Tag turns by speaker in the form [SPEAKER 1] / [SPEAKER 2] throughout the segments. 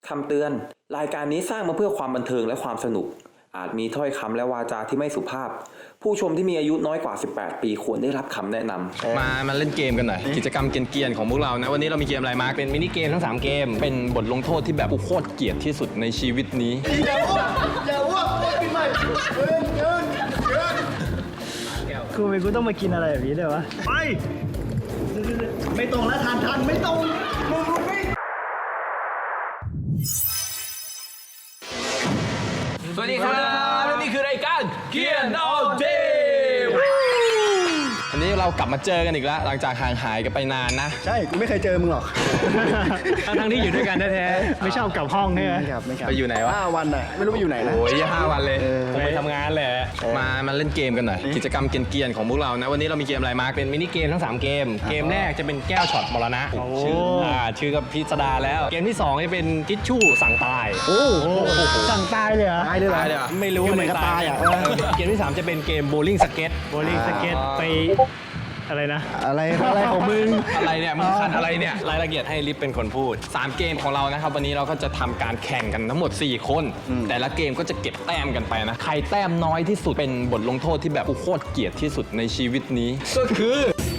[SPEAKER 1] คำเตือนรายการนี้สร้างมาเพื่อความบันเทิงและความสนุกอาจมีถ้อยคำและวาจาที่ไม่สุภาพผู้ชมที่มีอายุน้อยกว่า18ปีควรได้รับคำแนะนำ
[SPEAKER 2] มาเล่นเกมกันหน่อยกิจกรรมเกรียนๆของพวกเรานะวันนี้เรามีเกมอะไรมาเป็นมินิเกมทั้ง3เกมเป็นบทลงโทษที่แบบกูโคตรเกลียดที่สุดในชีวิตนี้
[SPEAKER 3] อย่าอ้วกปีใหม่เกิน
[SPEAKER 4] กูต้องมากินอะไรแบบนี้ด้วยวะ
[SPEAKER 3] ไปไม่ตรงแล้วทันไม่ตรงมึงไม่
[SPEAKER 2] สวัสดีครับและนี่คือรายการเกียร์ all day วันนี้เรากลับมาเจอกันอีกแล้วหลังจากห่างหายกันไปนานนะ
[SPEAKER 3] ใช่กูไม่เคยเจอมึงหรอก
[SPEAKER 4] ทั้งที่อยู่ด้วยกันแท้ๆไม่ชอบกลับห้องใช่ไหม
[SPEAKER 3] ไม่กลับ
[SPEAKER 2] ไปอยู่ไหนวะ
[SPEAKER 3] 5 วันน่ะไม่รู้ไปอยู่ไหนนะ
[SPEAKER 2] โอ้ย5 วันเลย
[SPEAKER 4] ผมไปทำงานแหละ
[SPEAKER 2] มาเล่นเกมกันหน่อยกิจกรรมเกรียนๆของพวกเรานะวันนี้เรามีเกมอะไรมาเป็นมินิเกมทั้ง3เกมเกมแรกจะเป็นแก้วช็อตมรณะชื่อกับพิสดารแล้วเกมที่2จะเป็นทิชชู่สั่งตาย
[SPEAKER 4] โอ้สั่งตายเลยเหรอ
[SPEAKER 3] ตายเลยเหรอ
[SPEAKER 4] ไม่รู้
[SPEAKER 3] เหมือนกับตายอ่ะ
[SPEAKER 2] เกมที่3จะเป็นเกมโบลิ่งสเก็ต
[SPEAKER 4] ไปอะไรนะ
[SPEAKER 3] อะไรของมึง
[SPEAKER 2] อะไรเนี่ยมึงคันอะไรเนี่ยรายละเอียดให้ลิฟเป็นคนพูด3เกมของเรานะครับวันนี้เราก็จะทำการแข่งกันทั้งหมด4คนแต่ละเกมก็จะเก็บแต้มกันไปนะใครแต้มน้อยที่สุดเป็นบทลงโทษที่แบบกูโคตรเกลียดที่สุดในชีวิตนี้ก็คือ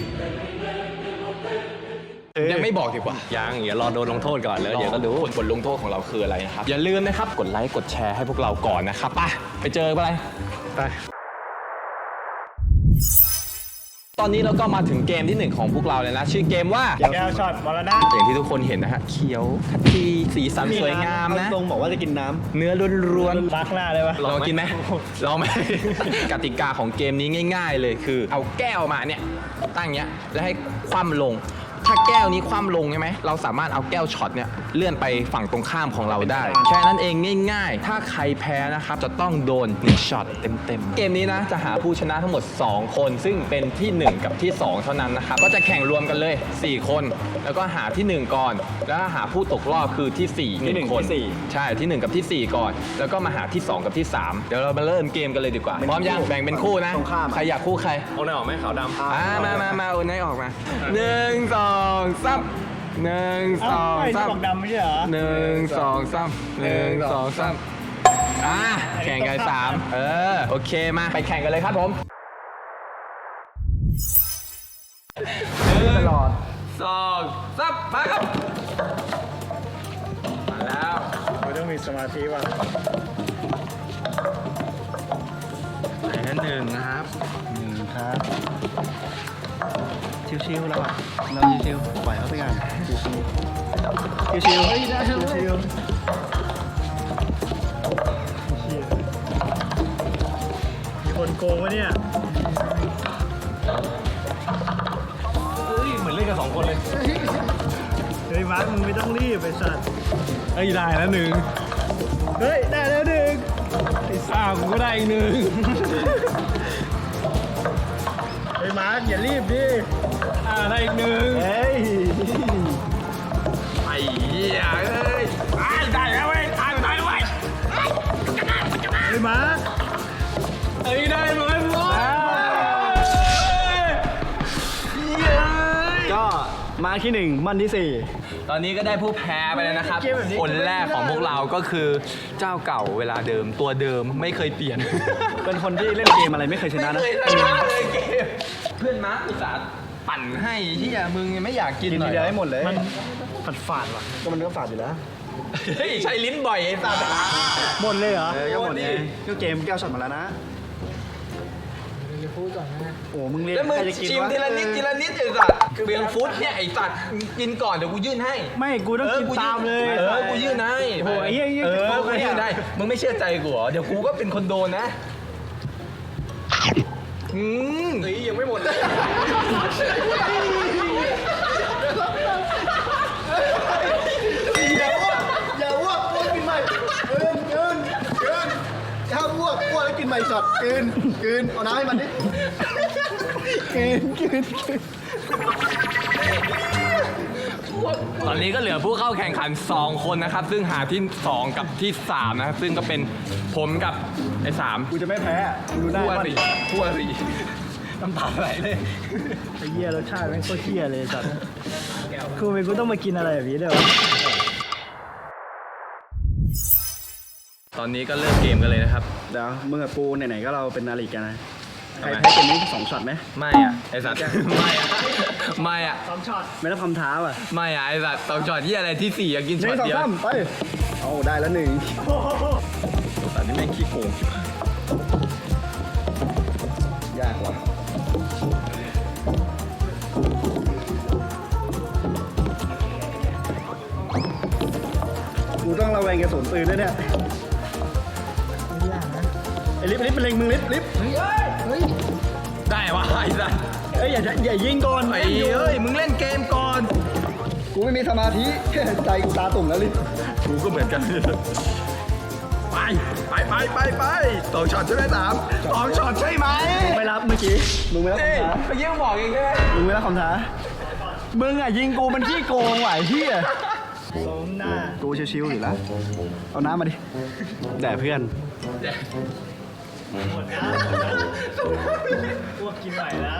[SPEAKER 2] ยังไม่บอกดีกว่ายังอย่ารอโดนลงโทษก่อนแล้วเดี๋ยวก็รู้บทลงโทษของเราคืออะไรนะครับอย่าลืมนะครับกดไลค์กดแชร์ให้พวกเราก่อนนะครับไปเจอกันเลย
[SPEAKER 4] ไป
[SPEAKER 2] ตอนนี้เราก็มาถึงเกมที่1ของพวกเราเลยนะชื่อเกมว่า
[SPEAKER 4] แก้วช็อตมรณะ
[SPEAKER 2] อย่างที่ทุกคนเห็นนะฮะเขียวขจีสีสันสวยงามนะ
[SPEAKER 3] ตรงบอกว่าจะกินน้ำ
[SPEAKER 2] เนื้อล้วน
[SPEAKER 4] ๆรักหน้าเลยปะ
[SPEAKER 2] ลองกินไหมลองไหม กติกาของเกมนี้ง่ายๆเลยคือเอาแก้วมาเนี่ยตั้งเงี้ยแล้วให้คว่ำลงถ้าแก้วนี้คว่ำลงใช่ไหมเราสามารถเอาแก้วช็อตเนี่ยเลื่อนไปฝั่งตรงข้ามของเราได้แค่นั้นเองง่ายๆถ้าใครแพ้นะครับจะต้องโดน1ช็อตเต็มๆเกมนี้นะจะหาผู้ชนะทั้งหมด2คนซึ่งเป็นที่1กับที่2เท่านั้นนะครับก็จะแข่งรวมกันเลย4คนแล้วก็หาที่1ก่อนแล้วหาผู้ตกรอบคือที่4 1คนใช่ที่1กับที่4ก่อนแล้วก็มาหาที่2กับที่3เดี๋ยวเรามาเริ่มเกมกันเลยดีกว่าพร้อมยังแบ่งเป็นคู่นะใครอยากคู่ใคร
[SPEAKER 4] เอาไหนออกไหมขาวดำ
[SPEAKER 2] มาเอาไหนออกมา1 2 3 1 2 3
[SPEAKER 4] บอกดำไม่ใช่เหรอ
[SPEAKER 2] 1 2 3 1 2 3แข่งกัน3โอเคมาไปแข่งกันเลยครับผม
[SPEAKER 3] ตลอด
[SPEAKER 2] 2 3มาครับมาแล้ว
[SPEAKER 4] ไม่ต้องมีสมาธิว่ะไหนนั่น1นะครับ
[SPEAKER 3] ครับ
[SPEAKER 4] ชิวๆแล้วอ่ะ
[SPEAKER 3] เราชิวๆปล่อยเขาไปกันชิวๆเฮ้ยได้ชิว
[SPEAKER 4] มีคนโกงวะเนี่ย
[SPEAKER 2] เหมือนเล่นกัน2คนเลย
[SPEAKER 4] เฮ้ยมาร์คมึงไม่ต้องรีบไปสัตว์
[SPEAKER 2] เฮ้ยได้แล้ว1
[SPEAKER 4] เฮ้ยได้แล้ว
[SPEAKER 2] 1กูก็ได้อีก1
[SPEAKER 4] เฮ้ยมาร์คอย่ารีบดิ
[SPEAKER 2] ได้อีก1
[SPEAKER 4] เฮ้ย
[SPEAKER 2] ไอ้เหี้ยเอ้ยได้แล้วเว้ยตายเว้ย
[SPEAKER 4] เฮ้ยมาร์ค
[SPEAKER 2] ได้ไหม
[SPEAKER 3] ก็มาที่1มันที่
[SPEAKER 2] 4ตอนนี้ก็ได้ผู้แพ้ไปแล้วนะครับคนแรกของพวกเราก็คือเจ้าเก่าเวลาเดิมตัวเดิมไม่เคยเปลี่ยน
[SPEAKER 3] เป็นคนที่เล่นเกมอะไรไม่เคยชนะนะ
[SPEAKER 2] ไม่เคยชนะเลยเกมเพื่อนมาร์คอุตส่าห์ปั่นให้ที่มึงไม่อยากกินหน่อย
[SPEAKER 3] ทีเดียวให้หมดเลย
[SPEAKER 4] มันฝาดว่ะ
[SPEAKER 3] ก็มันก็ฝาดอยู่แล้ว
[SPEAKER 2] เฮ้ยใช้ลิ้นบ่อยไอ้สัตว์
[SPEAKER 4] หมดเลยเหรอ
[SPEAKER 3] ก็หมดไงก็เกมแก้วช็อตมาแล้วนะ
[SPEAKER 4] พูดก่อนนะ
[SPEAKER 3] โอ้มึงเรียน
[SPEAKER 2] แล้วมึงชิมทีละนิดไอ้สัตว์เบียงฟุตเนี่ยไอ้สัตว์กินก่อนเดี๋ยวกูยื่นให้
[SPEAKER 4] ไม่กูต้องกินตามเลย
[SPEAKER 2] กูยื่นให้
[SPEAKER 4] โอ้ย
[SPEAKER 2] กูยื่นได้มึงไม่เชื่อใจกูเหรอเดี๋ยวกูก็เป็นคนโดนนะ
[SPEAKER 3] ยังไม่หมดเลยอย่าอ้วกกินใหม่กินถ้าอ้วกแล้วกินใหม่ช็อตกินเอาน้ำให้มันดิกิน
[SPEAKER 2] ตอนนี้ก็เหลือผู้เข้าแข่งขัน2คนนะครับซึ่งหาที่2กับที่3นะครับซึ่งก็เป็นผมกับไอ้3
[SPEAKER 3] กูจะไม่แพ้ดูได้
[SPEAKER 2] คู่อริน้ำตาไหลเลย
[SPEAKER 4] ไอ้เหี้ยรสชาติแม่งโคตรเหี้ยเลยสัตว์กูต้องมากินอะไรแบบนี้ด้วยวะ
[SPEAKER 2] ตอนนี้ก็เริ่มเกมกันเลยนะครับ
[SPEAKER 3] เดี๋ยวมึงกับกูไหนๆก็เราเป็นนาฬิกานะใคร
[SPEAKER 2] ทำไม
[SPEAKER 3] แพ้เกมนี้2ช็อตไหม
[SPEAKER 2] ไม่อ่ะไอสัตว์ ไม่อ่ะไม่อ่ะ
[SPEAKER 3] ไม่รับคำท้าอ่ะ
[SPEAKER 2] ไม่อ่ะไอสัตว์2ช็อตที่อะไรที่4อยากกิน
[SPEAKER 3] ห
[SPEAKER 2] ช็
[SPEAKER 3] นึ่
[SPEAKER 2] อต
[SPEAKER 3] งสอง
[SPEAKER 2] เดียว
[SPEAKER 3] สามไปเอาได้แล้ว1
[SPEAKER 2] แต่นี่แม่งขี้โกง
[SPEAKER 3] ยากว่ะกูต้องระแวงกระสุนปืนด้วยเนี่ยไอ้ลิฟเป็นเล็งมึงลิฟ
[SPEAKER 2] ได้วะไอสัตว์
[SPEAKER 3] เอ้ยอย่ายิงก่อน
[SPEAKER 2] ไอ้เอ้ยมึงเล่นเกมก่อน
[SPEAKER 3] กูไม่มีสมาธิ ใจกูตาตุ่มแล้วลิฟ
[SPEAKER 2] กูก็เหมือนกันไป2ช็อตใช่ไหม2ช็อตใช่ไหม
[SPEAKER 3] ไม่รับเมื่อกี้มึงไม่รับ
[SPEAKER 2] นี่
[SPEAKER 3] คำท้า
[SPEAKER 2] เมื่อกี้มึงบอกเองใช่ไหม
[SPEAKER 3] มึงไม่รับคำท้ามึงอ่ะยิงกูมันขี้โกงว่ะไอ้เหี้ยสมหน้ากูชิวๆอยู่แล้วเอาน้ำมาดิแด่เพื่อน
[SPEAKER 4] พวกกินไหวแล้ว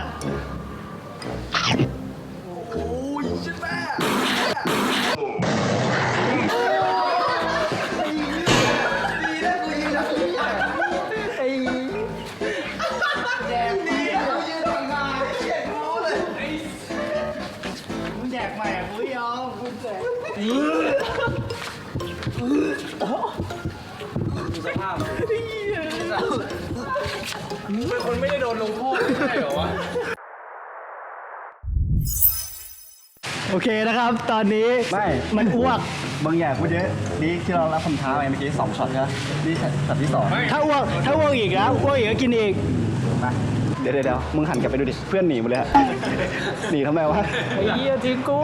[SPEAKER 4] แจกใหม่กูยอมกูแจก
[SPEAKER 2] มึงเป็นคนไม่ได้โดนลงโทษไม่ใช่เหรอวะ
[SPEAKER 4] โอเคนะครับ ตอนนี้
[SPEAKER 3] ไม่
[SPEAKER 4] มันอ้วก
[SPEAKER 3] บางอย่างกูเยอะนี่ที่เรารับคำท้าไปเมื่อกี้2ช็อตใช่ไหมนี่ช็อตที่2
[SPEAKER 4] ถ้าอ้วกอีกแล้วอ้วกอีกก็กินอีก
[SPEAKER 3] มาเดี๋ยวมึงหันกลับไปดูดิเพื่อนหนีหมดเลยฮะหนีทำไมวะ
[SPEAKER 4] ไอ้เหี้ยทิ้งกู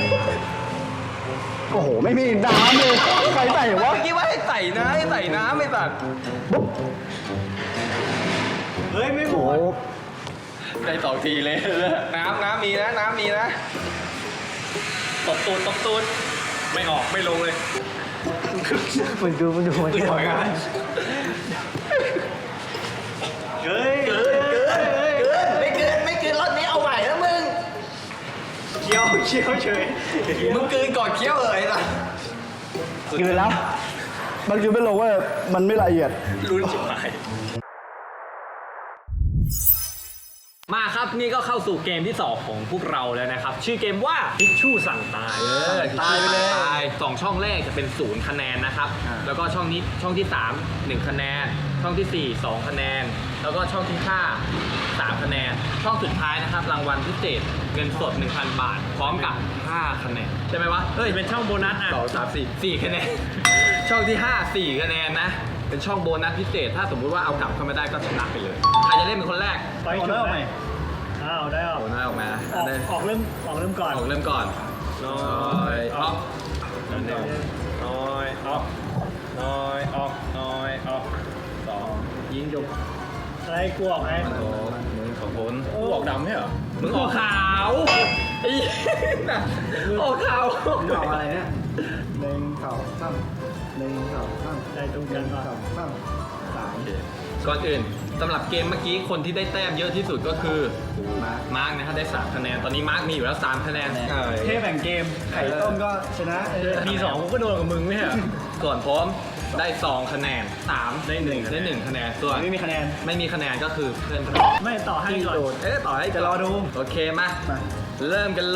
[SPEAKER 3] โอ้โหไม่มีน้ำเลยใครใส่วะ
[SPEAKER 2] เมื่อกี้ว่าให้ใส่น้ำไอ้สัตว์
[SPEAKER 4] เฮ้ย ไม่หม
[SPEAKER 3] โอ้โห
[SPEAKER 4] ด
[SPEAKER 2] ได้2ทีเลยน้ำมีนะตบตูดไม่ออกไม่ลงเลย
[SPEAKER 4] มันดูมัน
[SPEAKER 2] ถอยกัน
[SPEAKER 4] เฮ้ย
[SPEAKER 2] ไม่เกินรอบนี้เอาใหม่นะมึง
[SPEAKER 4] เคี้ยวเฉย
[SPEAKER 2] มึงเกินก่อนเคี้ยวเลยล่ะ
[SPEAKER 3] กินไปแล้วบางทีไม่ลงว่ามันไม่ละเอียด
[SPEAKER 2] รุนจิ๋วหาย
[SPEAKER 4] มาครับนี่ก็เข้าสู่เกมที่ 2 ของพวกเราแล้วนะครับ ชื่อเกมว่าทิชชู่สั่งตาย
[SPEAKER 2] ตายไปเลย2ช่องแรกจะเป็น0คะแนนนะครับ แล้วก็ช่องที่3 1คะแนน ช่องที่4 2คะแนน แล้วก็ช่องที่5 3คะแนน ช่องสุดท้ายนะครับรางวัลพิเศษเงินสด 1,000 บาท พร้อมกับ5คะแนนใช่ไหมวะเฮ้ย
[SPEAKER 4] เป็นช่องโบนัสอ่ะ
[SPEAKER 2] 2 3 4 4คะแนน ช่องที่5 4คะแนนนะเป็นช่องโบนัสพิเศษถ้าสมมุติว่าเอากลับเข้ามาได้ก็ชนะไปเลยใครจะเล่นเป็นคนแรก
[SPEAKER 4] ไปจุดไหมอ้าวได้ออก
[SPEAKER 2] โบนัสออกมา
[SPEAKER 4] ออกเริ่มก่อน
[SPEAKER 2] ออกเริ่มก่อนน้อยออกน้อยออกน้อยออกน้อยออก2ยิงจบ
[SPEAKER 4] อะไรกูออกไหม
[SPEAKER 2] โอ้มึงของพ้นกูออกดำใช่เหรอมึงออกขาวไอ้ออกขาว
[SPEAKER 3] ดอกอะไรเนี่ย1 2 3 1 2 3
[SPEAKER 4] ได้ตรงกันป่ะ
[SPEAKER 3] 2 3 3
[SPEAKER 2] ก่อนอื่นสำหรับเกมเมื่อกี้คนที่ได้แต้มเยอะที่สุดก็คือมาร์กนะครับได้3คะแนนตอนนี้มาร์กมีอยู่แล้ว3คะแนน
[SPEAKER 3] เทแบ่งเกมไข่ต้มก็ชนะ
[SPEAKER 4] มี2กูก็โดนกับมึงไม่ใช่เหรอ
[SPEAKER 2] ส่วนผมได้2คะแนน3ได้1คะแนนส่วน
[SPEAKER 3] ไม่มีคะแนน
[SPEAKER 2] ไม่มีคะแนนก็คือเพื่อน
[SPEAKER 4] ไม่ต่อให้ก่อน
[SPEAKER 2] ต่อให้
[SPEAKER 3] จะรอดู
[SPEAKER 2] โอเคมา
[SPEAKER 3] มา
[SPEAKER 2] เริ่มกันเลย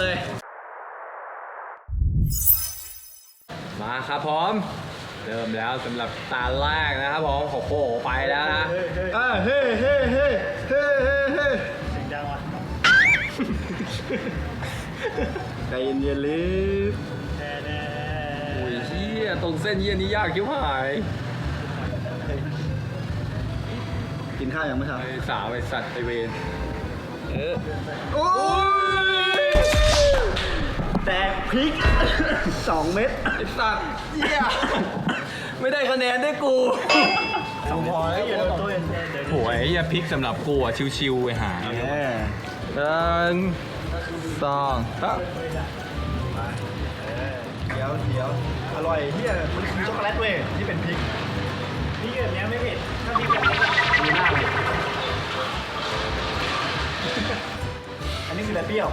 [SPEAKER 2] มาครับพร้อมเริ่มแล้วสำหรับตาแรกนะครับผมโอ้โหไปแล้วนะ
[SPEAKER 4] เฮ้ย
[SPEAKER 3] เฮ้เฮ้เฮ้เฮ้เฮ้เฮ้
[SPEAKER 4] เสียงดังว่ะ
[SPEAKER 3] ใจเย็นๆลิฟ
[SPEAKER 4] แน่
[SPEAKER 2] โอ้ยเฮียตรงเส้นเฮียนี้ยากชิบหาย
[SPEAKER 3] กินข้าวยังไม่ทัน
[SPEAKER 2] ไอ้สาวไอ้สัตว์ไอ้เวน
[SPEAKER 3] โอ้ยแตกพริก 2 เม็ด
[SPEAKER 2] ไอ้สัตว์เฮียไม่ได้คะแนนด้วยกู
[SPEAKER 3] พอแล้ว
[SPEAKER 4] อย่าโดนตัวเองเดี๋ยว
[SPEAKER 2] โหยอย่าพลิกสำหรับกูอ่ะชิวๆไอ้หาย
[SPEAKER 3] แหม
[SPEAKER 2] 1 2 3
[SPEAKER 3] เดี๋ยวอร่อยเฮียมันคือช็อกโกแลตเว้ยที่เป็นพริก
[SPEAKER 4] พี่แบบนี้ไม่เผ็ดถ้าพี่แบบนี้
[SPEAKER 3] ดูหน้าเลยอันนี้คืออะไรเปรี้ยว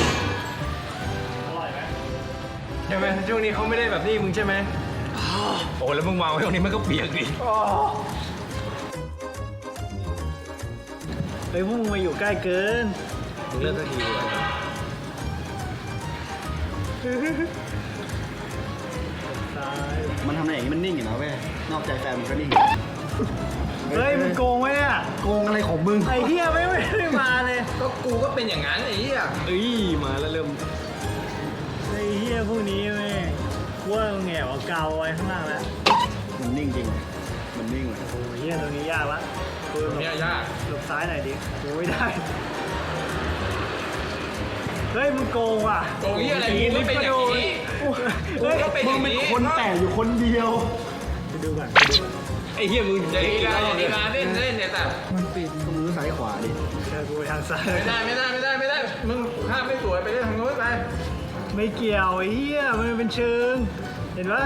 [SPEAKER 4] อร่อยไหม
[SPEAKER 2] ใช่ไหมช่วงนี้เขาไม่ได้แบบนี้มึงใช่ไหม
[SPEAKER 4] โอ้แล้วมึงวางไว้ตรงนี้มันก็เปียกดิ
[SPEAKER 3] เฮ้ยพวกมึงมาอยู่ใกล้เกิน
[SPEAKER 4] มึงเลิกสักทีดีกว่า
[SPEAKER 3] มันทำอะไรอย่างนี้มันนิ่งอยู่นะเว้ย นอกใจแฟนมันก็นิ่ง เฮ้ยมึงโกงไว้เนี่ยโกงอะไรของมึง ไอ้เหี้ยไม่ได้มาเลย
[SPEAKER 2] ก็กูก็เป็นอย่างนั้นไอ้เหี้ย
[SPEAKER 4] เอ้ยมาแล้วเริ่ม
[SPEAKER 3] ไอ้เหี้ยพวกนี้แม่งว่ามึงแง่เอากาวไว้ข้างล่างแล้ว มันนิ่งจริง มันนิ่งเลยโอ้ยเหี้ยตรงนี้ยากละกูหลบ
[SPEAKER 2] เนี่ยยาก
[SPEAKER 3] หลบซ้ายหน่อยดิกูไม่ได้ เฮ้ยมึงโกงว่ะ
[SPEAKER 2] โกงเหี้ยอะไรกูก็เป็นอย่างนี้
[SPEAKER 3] เฮ้ย
[SPEAKER 2] กูก็เป็นอย่างนี้
[SPEAKER 3] มึงเป็นคนแต่อยู่คนเดียวไปดูก่อนไปดูก่อน
[SPEAKER 4] ไอ้เหี้ยมึง
[SPEAKER 2] อย่าดีการอย่าดีการเล่นเนี่ยแต่
[SPEAKER 3] มันปิดมือซ้ายขวาดิเชิญกูไปทางซ้าย
[SPEAKER 2] ไม่ได้มึงภาพไม่สวยไปเล่นทางโน้นไป
[SPEAKER 3] ไม่เกี่ยวไอ้เหี้ยมันเป็นเชิง เห็นปะ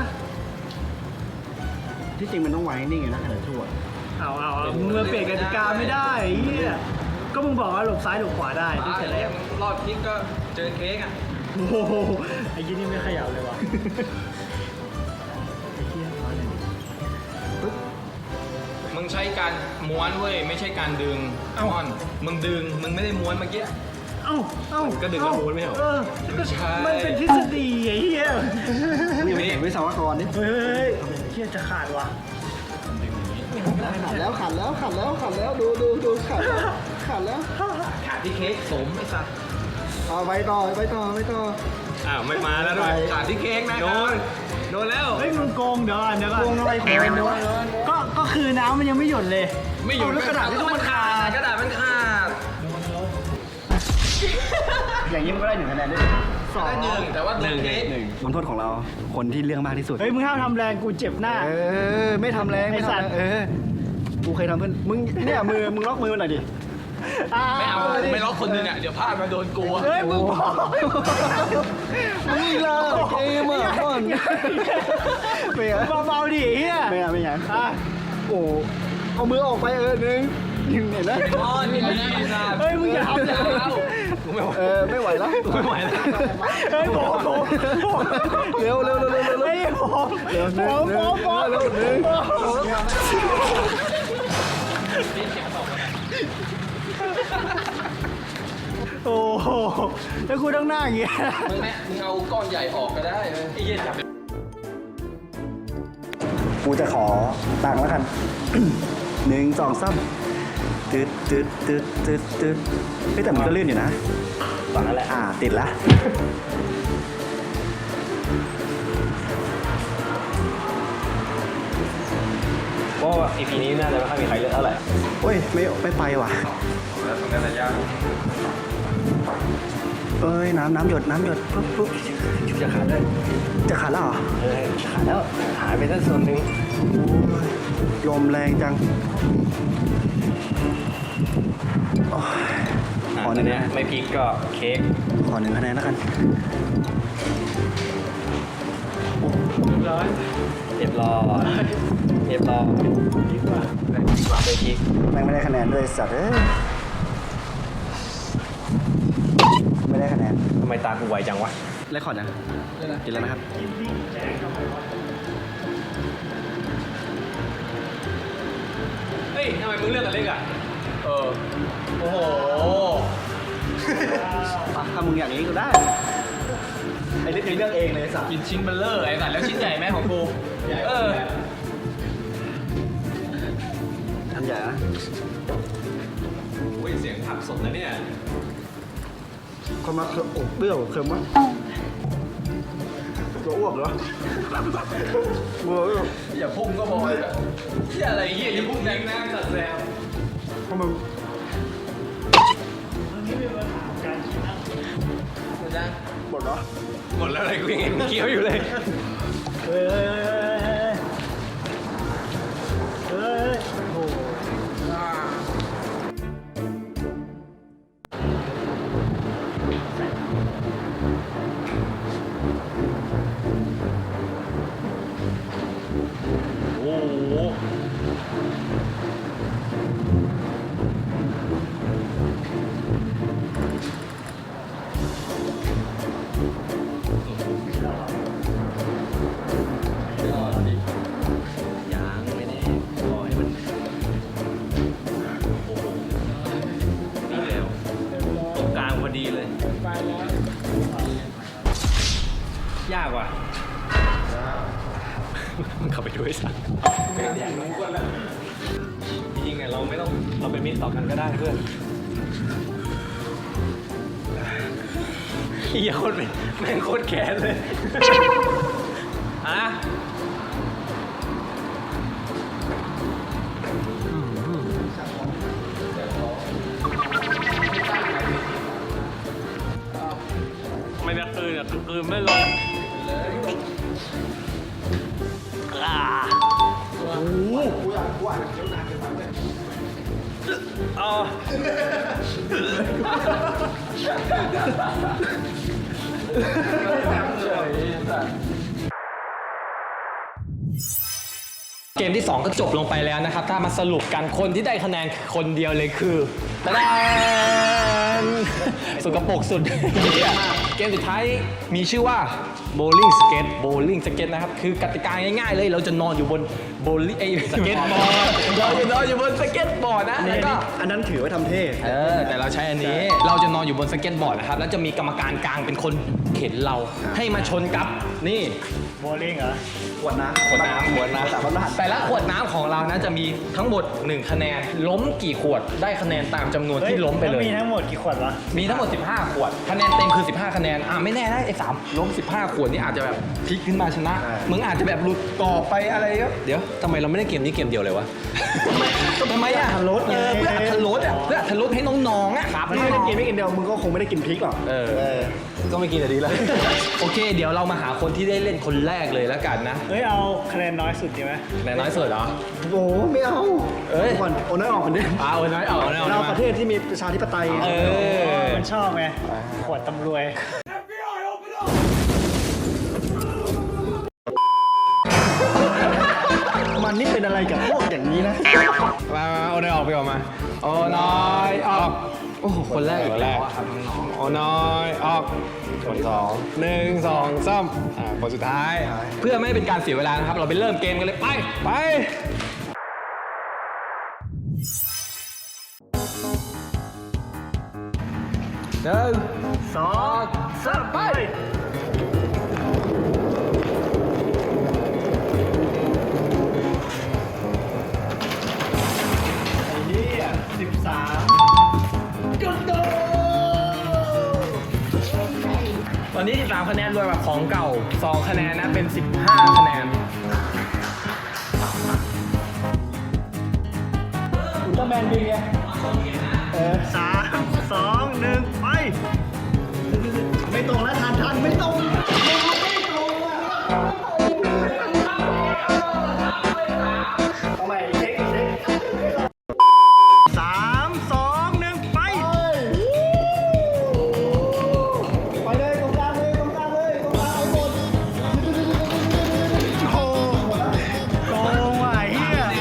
[SPEAKER 3] ที่จริงมันต้องไว้นิ่งไงนะขนาดชั่วเอามึงมาเปลี่ยนกติกาไม่ได้ไอ้เหี้ยก็มึงบอกว่าหลบซ้ายหลบขวาได้ที่แต่แรก
[SPEAKER 2] รอบคิกก็เจอเค้กอ่ะ
[SPEAKER 3] โอ้โหไอ้ยี่นี่ไม่ขยับเลยว่ะไอ้เหี้ยมาเลย
[SPEAKER 2] มึงใช้การม้วนเว้ยไม่ใช่การดึงอ้อนมึงดึงมึงไม่ได้ม้วนเมื่อกี้
[SPEAKER 3] เอ้า
[SPEAKER 4] ก็ดึงแล้วม้วนไม่เหรอ
[SPEAKER 3] ก็มันเป็นทฤษฎีไอ้เหี้ย
[SPEAKER 2] นี่ไม่เห็นวิศวกรนี่
[SPEAKER 3] เฮ้ยเหี้ยจะขาดว่ะ
[SPEAKER 5] ขาดแล้วขาดแล้วขาดแล้วขาดแล้วดูขาดแล้วขาดแล้ว
[SPEAKER 2] ขาดที่เค้กสมไอ้สัส
[SPEAKER 5] เอาไปต่อไปต่อไปต่อ
[SPEAKER 4] อ้าวไม่มาแล้วด้วย
[SPEAKER 2] ขาดที่เค้กนะ
[SPEAKER 4] โดนโดนแล้ว
[SPEAKER 3] เฮ้ยมึงโกงเดี๋ยวก่อน
[SPEAKER 5] โกงอะไรของมันวะ
[SPEAKER 3] ก็คือน้ำมันยังไม่หยดเลย
[SPEAKER 2] ไม่อยู่
[SPEAKER 3] เอาแล้วกระดาษที่ต้องมันขาด
[SPEAKER 2] กระดาษมันขาด
[SPEAKER 3] อย่างนี้มันก็ได้1 คะแนนด้วยสอง
[SPEAKER 2] ได้หนึ่งแต่ว่าโดนเค้ก
[SPEAKER 3] บทโทษของเราคนที่เรื่องมากที่สุดเฮ้ยมึงห้ามทำแรงกูเจ็บหน้า
[SPEAKER 5] ไม่ทำแรงไม่
[SPEAKER 3] ไอ้สัตว์
[SPEAKER 5] ทำแรงกูเคยทำเพื่อนมึงเนี่ยมึงล็อกมือหน่อยดิ
[SPEAKER 2] ไม่เอาไม่ล็อกคนหนึงอ่ะเดี๋ยวพลาดมาโดนกูอะ
[SPEAKER 3] เฮ้ยมึงบอก
[SPEAKER 5] มึงเลิกเกมอ่ะก่อนไม่เอา
[SPEAKER 3] เบาๆดิเฮีย
[SPEAKER 5] ไม่เอาไม่ยัง
[SPEAKER 3] อ่ะ
[SPEAKER 5] โอ้เอามือออกไปหนึ่งเห็นไหม
[SPEAKER 2] อ้อนนี่ไม่ได้สัส
[SPEAKER 3] เฮ้ยมึงอย่าทำอย่า
[SPEAKER 5] ไม่ไหวแล้ว
[SPEAKER 4] ไม่ไหวแล้ว
[SPEAKER 3] เฮ้ยผม
[SPEAKER 5] เร็ว
[SPEAKER 3] เฮ้ยผมเร็ว
[SPEAKER 5] เร็วหนึ่ง
[SPEAKER 3] โอ้โหแล้วกูต้องหน้าอย่างเงี้ย
[SPEAKER 2] มึงเอาก้อนใหญ่ออกก็ได้เลยไอ้เหี้ยจับ
[SPEAKER 5] กูจะขอตังค์แล้วกัน 1 2 3ตึ๊ดเฮ้ยแต่มันก็ลื่นอยู่นะตอนนั้นแหละติดละ
[SPEAKER 4] เพราะว่า EP นี้น่าจะไม่ค่อยมีใครเลือกเท่าไหร่
[SPEAKER 5] โอ้ยไม่ไปว่ะ
[SPEAKER 2] แล้วตรงนั้นระยะ
[SPEAKER 5] เอ้ยน้ำหยดปุ๊บจะขาดด้วยจะขาดแล้วเหรอ
[SPEAKER 4] ขาดแล้วหายไปสักส่วนหนึ่ง
[SPEAKER 5] ลมแรงจังโอ้ยขอหนึ่ง
[SPEAKER 4] เนี้ยไม่พริกก็เค้ก
[SPEAKER 5] ขอ1 คะแนนแล้วกัน
[SPEAKER 4] เรียบร้อยไม่พริก
[SPEAKER 5] แม่งไม่ได้คะแนนด้วยสัตว์เอ้ยไม่ได้คะแนน
[SPEAKER 4] ทำไมตากูไวจังวะ
[SPEAKER 5] เลคคอร์ดยังกินแล้วนะครับ
[SPEAKER 4] เฮ้ยทำไมมึงเลือกแต่เล็กอ่ะโอ้โห
[SPEAKER 5] ถ้ามึงอย่างนี้ก็ได้ ไอ้เรื่องเลือกเองเลยสัตว์
[SPEAKER 2] กินชิ้นเบลเลอร์ไอ้สัสแล้วชิ้นใหญ่ไหมของกูเออ
[SPEAKER 5] อันใหญ่นะ
[SPEAKER 4] โอ้ยเสียงผักสดนะเนี่ย
[SPEAKER 5] คนมาอบเปรี้ยวเค็มวะตัวอ้วกเหรอเมื่อ
[SPEAKER 2] อย่าพุ่งก็พอเลยอะเหี้ยอะไรเหี้ยอย่าพุ่งแรงนะสัตว์แซว
[SPEAKER 5] เพราะมัน หมดเหรอ
[SPEAKER 4] หมดแล้วอะไรกูยังเห็นมึงเคี้ยวอยู่เลย
[SPEAKER 3] เฮ้ยโอ้โห
[SPEAKER 4] โอ้โหว่ะมึงเข้าไปดูไอ้สัสจริงๆเนี่ยเราไม่ต้องเราเป็นมิตรต่อกันก็ได้เพื่อนเหี้ยโคตรเป็นแม่งโคตรแค้นเลยอะไม่ได้คืนอ่ะคืนไม่ลงเอา เกมที่ 2 ก็จบลงไปแล้วนะครับ ถ้ามาสรุปกันคนที่ได้คะแนนคนเดียวเลยคือตะแดนสุกปรกสุด เกมสุดท้ายมีชื่อว่า bowling skate bowling skate นะครับ คือกติกาง่ายๆเลย เราจะนอนอยู่บน bowling สเก็ตบอร์ดเราจะนอนอยู่บนสเก็ตบอร์ดนะแล้วก็
[SPEAKER 5] อันนั้นถือว่าทำเท่
[SPEAKER 2] แต่เราใช้อันนี้ เราจะนอนอยู่บนสเก็ตบอร์ดนะครับ แล้วจะมีกรรมการกลางเป็นคนเข็นเราให้มาชนกับนี่
[SPEAKER 3] โบลิ่งเหรอ
[SPEAKER 5] ขวดน้ำ
[SPEAKER 2] ขวดน้ำแต่ละขวดน้ำของเรานะจะมีทั้งหมด1คะแนนล้มกี่ขวดได้คะแนนตามจำนวนที่ล้มไปเลย
[SPEAKER 3] มีทั้งหมดกี่ขวดวะ
[SPEAKER 2] มีทั้งหมด15ขวดคะแนนเต็มคือ15คะแนนไม่แน่นะไอ้3ล้ม15ขวดนี่อาจจะแบบพลิกขึ้นมาชนะมึงอาจจะแบบหลุดต่อไปอะไรก็เดี๋ยวทำไมเราไม่ได้เกมนี้เกมเดียวเลยวะทำไมอ่ะ
[SPEAKER 5] อัตรสไง
[SPEAKER 2] เพื่ออัตรสอ่ะเพื่ออัตรสให้น้องๆอ่ะครับ
[SPEAKER 5] ถ้าไม่ได้กินไม่กินเดียวมึงก็คงไม่ได้กินพริกหรอก
[SPEAKER 2] ก็ไม่กินแต่ดีแล้ว โอเค เดี๋ยวเรามาหาคนที่ได้เล่นคนแรกเลยแล้วกันนะ
[SPEAKER 3] เฮ้ยเอาคะแนนน้อยสุดดีไหม
[SPEAKER 2] ไหนน้อยสุดเหรอ
[SPEAKER 5] โอ้ไม่เอา
[SPEAKER 2] เอ้ย
[SPEAKER 5] ก่อนโอนน้อยออกกันดิ
[SPEAKER 2] โอ้ยน้อยออกน้อยออก
[SPEAKER 5] เรา
[SPEAKER 2] มา
[SPEAKER 5] ประเทศที่มีประชาธิปไตย
[SPEAKER 3] มันชอบไงขวดตำรวย
[SPEAKER 5] มันนี่เป็นอะไรกับพวกอย่างนี้นะ
[SPEAKER 2] มาโอ้น้อยออกไปออกมาโอ้น้อยออกโอ้โหคนแรกคนแรกโอ้น้อยออกคนสอง1 2 3คนสุดท้าย เพื่อไม่ให้เป็นการเสียเวลานะครับ เราไปเริ่มเกมกันเลยไป1 2 3ไป ตอนนี้13คะแนนรวมกับของเก่า2คะแนนนะเป็น15คะแนน
[SPEAKER 5] อุลตร้าแมนบินไง
[SPEAKER 3] 3 2 1 ไป
[SPEAKER 5] ไม่ตรงแล้วทันไม่ตรงเอาใหม่เช็ค
[SPEAKER 3] 3 2 1 ไป
[SPEAKER 5] ไปเลยตรงกลางเลยตรงกลางเลยตรงกลางเอาหมด
[SPEAKER 3] โอ้โกงว่ะเฮีย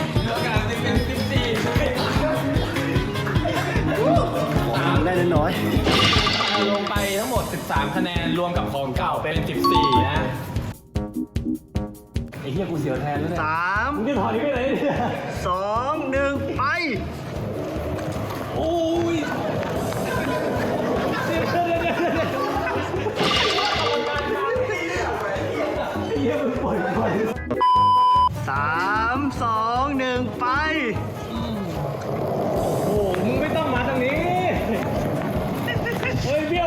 [SPEAKER 5] ได้น้อย
[SPEAKER 2] ลงไปทั้งหมด13คะแนนรวมกับของเก่าเป็น14นะไอ้เหี้ยกูเสียวแทนแล้วเนี่ย
[SPEAKER 3] 3
[SPEAKER 2] มึงจะถอดนี้ไปไหนเนี่ย
[SPEAKER 3] 2 1 ไป
[SPEAKER 2] โอ้ย
[SPEAKER 3] 3 2 1 ไป
[SPEAKER 2] โอ้มึงไม่ต้องมาทางนี้เฮ้ยเบี้ยว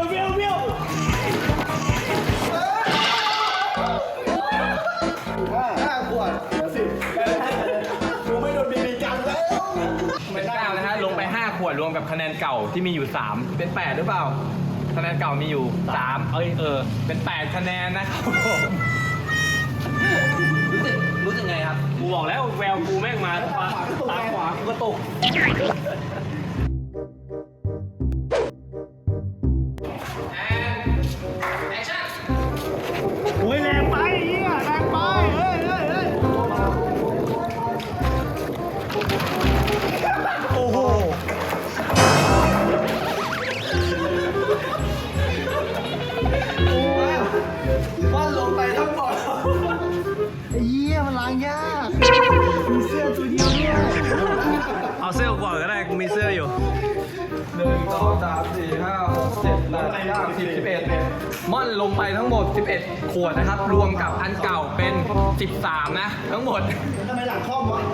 [SPEAKER 5] 5 ขวดเหลือ10กูไม่โดนบีบีกันแล้ว
[SPEAKER 2] เป็น9นะฮะลงไป5ขวดรวมกับคะแนนเก่าที่มีอยู่3เป็น8หรือเปล่าคะแนนเก่ามีอยู่3เป็น8คะแนนนะครับผมรู้สึกไงครับ
[SPEAKER 4] กูบอกแล้วแววกูแม่งมาตาขวากูก็ตก
[SPEAKER 3] โอ้ยแรงไปเฮียแรงไปเฮ้ยโอ้โห
[SPEAKER 5] ว่าลงไปทั้งหมดางยาก
[SPEAKER 3] มีเสื้อตัวเดียวเนี่ยเอาเสื้อก่อนก็ได้กูมีเสื้ออยู่
[SPEAKER 4] 1 2 3 4 5 6 7 8 9 10 11ม่อนลงไปทั้งหมด 11 ขวดนะครับ รวมกับอันเก่าเป็น 13 นะ ทั้งหมด
[SPEAKER 5] ทำไมหลังคล่อมวะ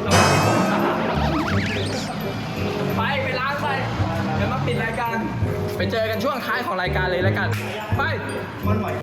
[SPEAKER 4] ไปล้างไป เดี๋ยวมาปิดรายการ ไปเจอกันช่วงท้ายของรายการเลยแล้วกัน ไป
[SPEAKER 5] มันไหว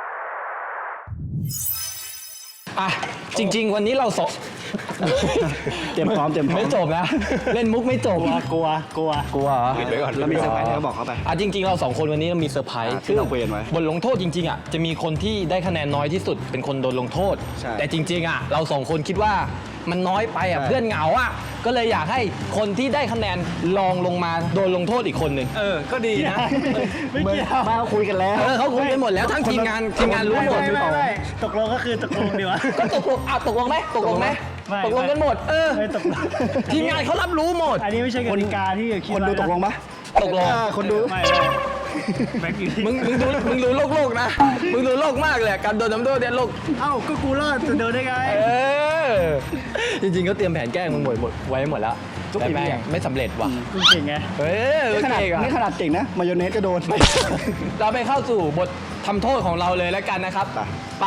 [SPEAKER 4] อ่ะ จริง ๆ วันนี้เราสอง
[SPEAKER 5] เตรียมพร้อม
[SPEAKER 4] ไม่จบนะ เล่นมุกไม่จบ
[SPEAKER 3] กลัว
[SPEAKER 4] กลัวเหรอ
[SPEAKER 5] ปิดไว้ก่อนแล้วมีเซอร์ไพรส์เธอก็บอกเขาไป
[SPEAKER 4] อ่ะจริง ๆ เราสองคนวันนี้มีเซอร์ไพรส์
[SPEAKER 5] ที่เราคุยกันไว้
[SPEAKER 4] บทลงโทษจริง ๆ อ่ะ จะมีคนที่ได้คะแนนน้อยที่สุดเป็นคนโดนลงโทษ
[SPEAKER 5] ใช่
[SPEAKER 4] แต่จริง ๆ อ่ะ เราสองคนคิดว่ามันน้อยไปอ่ะ
[SPEAKER 5] ใช่
[SPEAKER 4] เพื่อนเหงาอ่ะ ก็เลยอยากให้คนที่ได้คะแนนลองลงมาโดนลงโทษอีกคนหนึ่งก็ดีนะ
[SPEAKER 3] ไม่เกี่ยว
[SPEAKER 5] มาคุยกันแล้ว
[SPEAKER 4] เขาคุยกันหมดแล้วทั้งทีมงานรู้หมด
[SPEAKER 3] ไม่ตกลงก็คือตกลงดีวะ
[SPEAKER 4] ก็ตกลงตกลงไหม
[SPEAKER 3] ไม่
[SPEAKER 4] ตกลงกันหมด
[SPEAKER 3] ไม่ตกลง
[SPEAKER 4] ทีมงานเขารับรู้หมด
[SPEAKER 3] อันนี้ไม่ใช่กติกาที่คิด
[SPEAKER 5] คนดูตกลงปะ
[SPEAKER 4] ตกลง
[SPEAKER 5] คนดู
[SPEAKER 3] ไม่แบ็คอยู่ที่
[SPEAKER 4] มึงดูโลกนะ มึงดูโลกมากเลยการโดนน้ำโทษเนี่ยโลก
[SPEAKER 3] เอ้าก็กูรอดจะโดนได้ไง
[SPEAKER 4] จริงๆก็เตรียมแผนแกล้งมึงหมดไว้หมดแล้วแต่แม่งไม่สำเร็จว่ะ
[SPEAKER 3] กูเก่งไง
[SPEAKER 5] นี่ขนาด
[SPEAKER 4] เก่งอะ
[SPEAKER 5] นี่ขนาดเก่งนะ มายองเนสก็โดน
[SPEAKER 4] เราไปเข้าสู่บททำโทษของเราเลยแล้วกันนะครับ ไป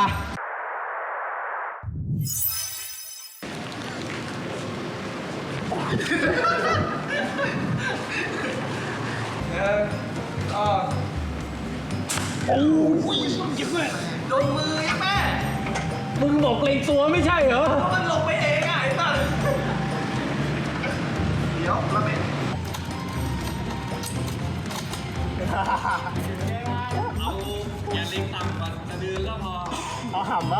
[SPEAKER 4] มึงบอกเกรงตัวไม่ใช่เหรอ มันลงไปเองอ่ะไอ้สัส
[SPEAKER 3] เอาหำปะ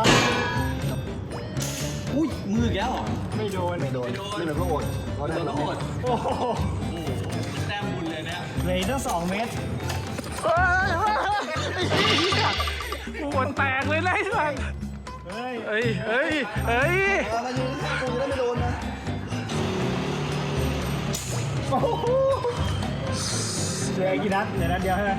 [SPEAKER 4] อุ้ยมือแกแล้วเหรอ
[SPEAKER 3] ไม่โดน
[SPEAKER 5] ไม่โดนนี่เป็นพวกอดเราได้แล้ว
[SPEAKER 3] โอ้โหแต้มบุญเลยเนี่ยเหลืออีกตั้ง2 เมตรปวดแตกเลยนะไอ้สัสเฮ้ย
[SPEAKER 5] มายืนข้างกูจะได้ไม่โดนนะ
[SPEAKER 3] เหลืออีกกี่นัดเหลือนัดเดียวใช่ไหม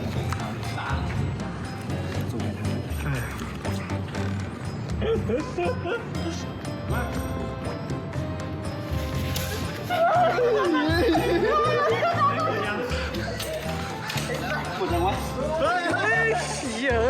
[SPEAKER 5] ปวดยังวะ
[SPEAKER 3] เยอะ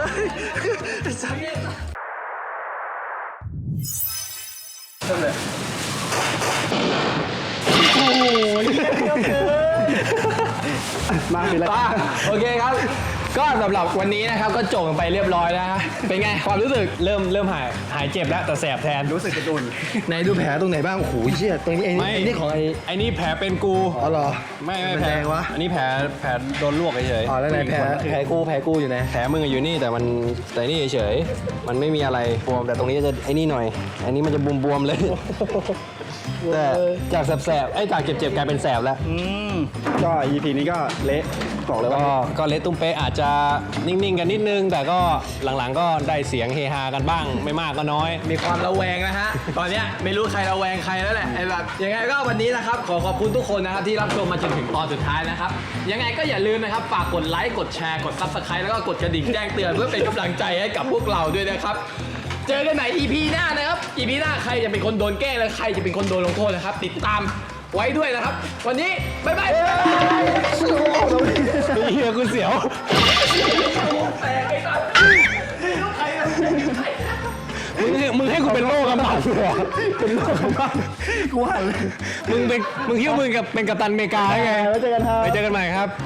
[SPEAKER 5] มาปิดแล้ว
[SPEAKER 4] โอเคครับ ก็สำหรับวันนี้นะครับก็จบกันไปเรียบร้อยแล้วฮะเป็นไงความรู้สึกเริ่มหายเจ็บแล้วแต่แสบแทน
[SPEAKER 5] รู้สึกกระดุน
[SPEAKER 4] ไหนดูแผลตรงไหนบ้างโอ้โหเชี่ยตรงนี้ไอ้นี่ของไอ้
[SPEAKER 2] ไอ้นี่แผลเป็นกู
[SPEAKER 4] อ๋อเหรอ
[SPEAKER 2] ไม่
[SPEAKER 5] มัน
[SPEAKER 2] แผล
[SPEAKER 5] แดงวะ
[SPEAKER 2] อันนี้แผลโดนลวกเฉย
[SPEAKER 4] อ๋อแล้วไหนแผลกูอยู่ไหน
[SPEAKER 2] แผลมึงอะอยู่นี่แต่นี่เฉยมันไม่มีอะไรบวมแต่ตรงนี้จะไอ้นี่หน่อย อันนี้มันจะบวมๆเลย แต่จากแสบๆไอ้จากเจ็บๆกลายเป็นแสบแล้ว
[SPEAKER 5] ก็ EP นี้ก็เละบอกเลยว่า
[SPEAKER 2] ก็เละตุ้มเป๊ะอาจจะนิ่งๆกันนิดนึง แต่ก็หลังๆก็ได้เสียงเฮฮากันบ้าง ไม่มากก็น้อย
[SPEAKER 4] มีความระแวงนะฮะ ตอนเนี้ยไม่รู้ใครระแวงใครแล้วแหละไอ้แบบยังไงก็วันนี้นะครับขอขอบคุณทุกคนนะครับที่รับชมมาจนถึงตอนสุดท้ายนะครับยังไงก็อย่าลืมนะครับฝากกดไลค์กดแชร์กด Subscribe แล้วก็กดกระดิ่งแจ้งเตือนเพื่อเป็นกำลังใจให้กับพวกเราด้วยนะครับเจอกันใหม่ EP หน้านะครับ EP หน้าใครจะเป็นคนโดนแกล้งและใครจะเป็นคนโดนลงโทษนะครับติดตามไว้ด้วยนะครับ วันนี้บ๊ายบาย
[SPEAKER 2] เฮียกูเสียว มึงให้กูเป็นโรคกำบัดเหรอเป็นโรคกำบัด
[SPEAKER 5] กูหันเลย
[SPEAKER 2] มึงคิดว่ามึงเป็นกัปตันอเมริกาได้ไง
[SPEAKER 5] แล้วเจอกันครับ
[SPEAKER 2] ไปเจอกันใหม่ครับ